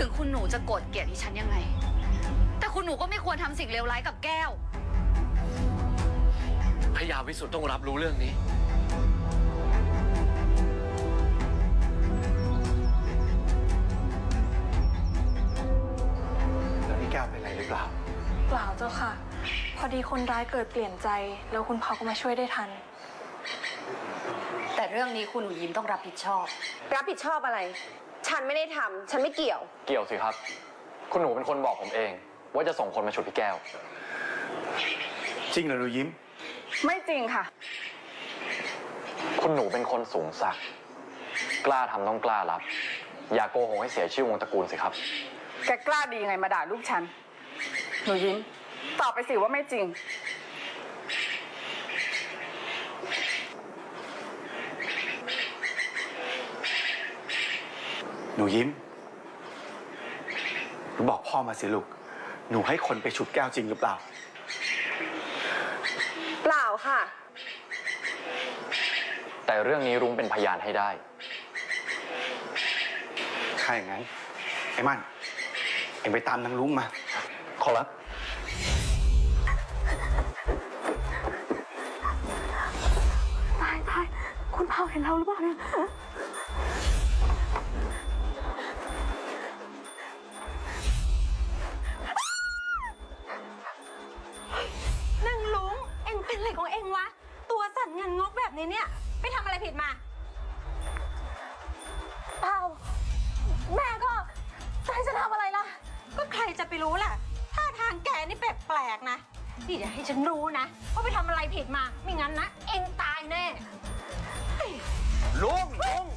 ถึงคุณหนูจะโกรธเกลียดดิฉันยังไงแต่คุณหนูก็ไม่ควรทำสิ่งเลวร้ายกับแก้วพญาวิสุทธ์ต้องรับรู้เรื่องนี้แล้วนี่แก้วเป็นอะไรหรือเปล่าเปล่าเจ้าค่ะพอดีคนร้ายเกิดเปลี่ยนใจแล้วคุณพ่อก็มาช่วยได้ทันแต่เรื่องนี้คุณหนูยิ้มต้องรับผิดชอบรับผิดชอบอะไรฉันไม่ได้ทำฉันไม่เกี่ยวเกี่ยวสิครับคุณหนูเป็นคนบอกผมเองว่าจะส่งคนมาฉุดพี่แก้วจริงเหรอหนูยิ้มไม่จริงค่ะคุณหนูเป็นคนสูงศักดิ์กล้าทำต้องกล้ารับอย่าโกหกให้เสียชื่อวงตระกูลสิครับแกกล้าดียังไงมาด่าลูกฉันหนูยิ้มตอบไปสิว่าไม่จริงหนูยิ้มหนูบอกพ่อมาสิลูกหนูให้คนไปฉุดแก้วจริงหรือเปล่าเปล่าค่ะแต่เรื่องนี้รุ้งเป็นพยานให้ได้ถ้าอย่างนั้นไอ้มั่นเอ็งไปตามนางลุงมาขอรับตายคุณพ่อเห็นเราหรือเปล่าเนี่ยนางลุงเอ็งเป็นอะไรของเอ็งวะตัวสั่นเงินงกแบบนี้เนี่ยไปทำอะไรผิดมาเปล่าแม่ก็จะให้ฉันทำอะไรล่ะก็ใครจะไปรู้ล่ะท่าทางแกนี่แปลกๆนะนี่อย่าให้ฉันรู้นะว่าไปทำอะไรผิดมาไม่งั้นนะเอ็งตายแน่ลุง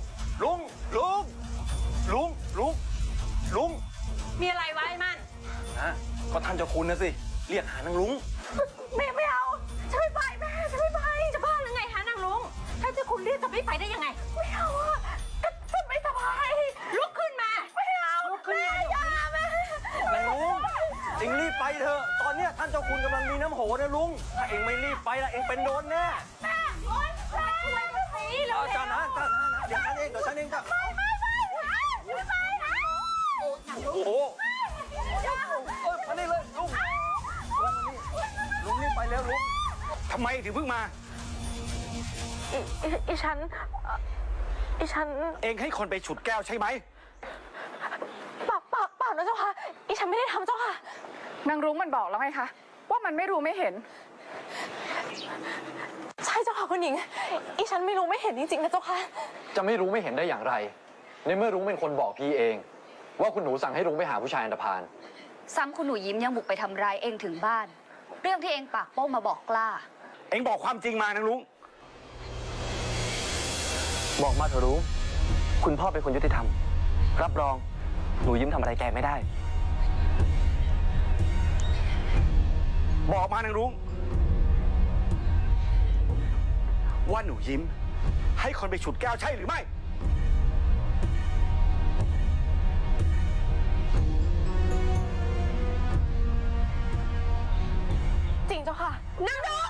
มีอะไรไว้มันนะก็ท่านเจ้าคุณนะสิเรียกหานางลุงไม่เอาฉันไม่ไปแม่ฉันไม่ไปจะบ้าหรือไงฮะนางลุงถ้าเจ้าคุณเรียกจะไม่ไปได้ยังไงไม่เอาอะฉันไม่สบายลุกขึ้นมาไม่เอาลุกขึ้นมาอย่าแม่นางลุงเอ็งรีบไปเถอะตอนเนี้ยท่านเจ้าคุณกำลังมีน้ำโหนะลุงถ้าเอ็งไม่รีบไปละเอ็งเป็นโดนแน่แม่โอ๊ยแม่ช่วยมาสิเร็วๆจ้านะเดี๋ยวฉันเองจ้ะไม่นะโอ้โหมานี่เลยลุงนี่ไปแล้วลุงทำไมถึงเพิ่งมาอีฉันเองให้คนไปฉุดแก้วใช่ไหมเปล่านะเจ้าค่ะอีฉันไม่ได้ทำเจ้าค่ะนางรุ้งมันบอกแล้วไงคะว่ามันไม่รู้ไม่เห็นใช่เจ้าค่ะคุณหญิงอีฉันไม่รู้ไม่เห็นจริงๆนะเจ้าค่ะจะไม่รู้ไม่เห็นได้อย่างไรในเมื่อรุ้งเป็นคนบอกพี่เองว่าคุณหนูสั่งให้รุ้งไปหาผู้ชายอันธพาลซ้ำคุณหนูยิ้มยังบุกไปทำร้ายเองถึงบ้านเรื่องที่เองปากโป้งมาบอกกล้าเองบอกความจริงมานางลุงบอกมาเถอะรุ้งคุณพ่อเป็นคนยุติธรรมรับรองหนูยิ้มทำอะไรแกไม่ได้บอกมานางลุงว่าหนูยิ้มให้คนไปฉุดแก้วใช่หรือไม่จริงเจ้าค่ะนางลุง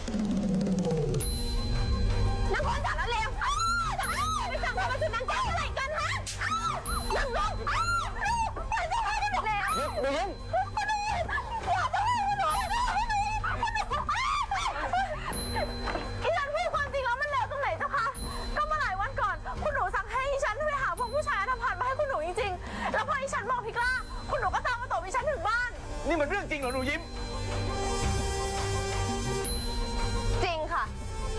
นางคนสารเลวไปสั่งความมาสุดนางแก้วอะไรกันฮะนางลุงไปเจ้าค่ะนางลุงแล้วหนูยิ้มอย่าเจ้าค่ะหนูอีฉันพูดความจริงแล้วมันเลวตรงไหนเจ้าค่ะก็เมื่อหลายวันก่อนคุณหนูสั่งให้อีฉันไปหาพวกผู้ชายทำผ่านมาให้คุณหนูจริงๆแล้วพออีฉันบอกพี่กล้าคุณหนูก็ตามมาตบอีฉันถึงบ้านนี่มันเรื่องจริงเหรอหนูยิ้มจริงค่ะ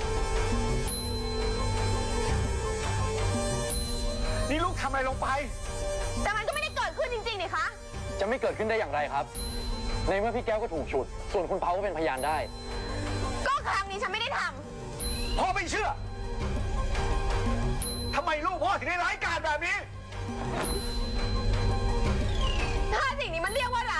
นี่ลูกทำอะไรลงไปแต่มันก็ไม่ได้เกิดขึ้นจริงๆนี่คะจะไม่เกิดขึ้นได้อย่างไรครับในเมื่อพี่แก้วก็ถูกฉุดส่วนคุณเผาก็เป็นพยานได้ก็ครั้งนี้ฉันไม่ได้ทำพ่อไม่เชื่อทำไมลูกพ่อถึงได้ร้ายกาจแบบนี้ถ้าสิ่งนี้มันเรียกว่าร้าย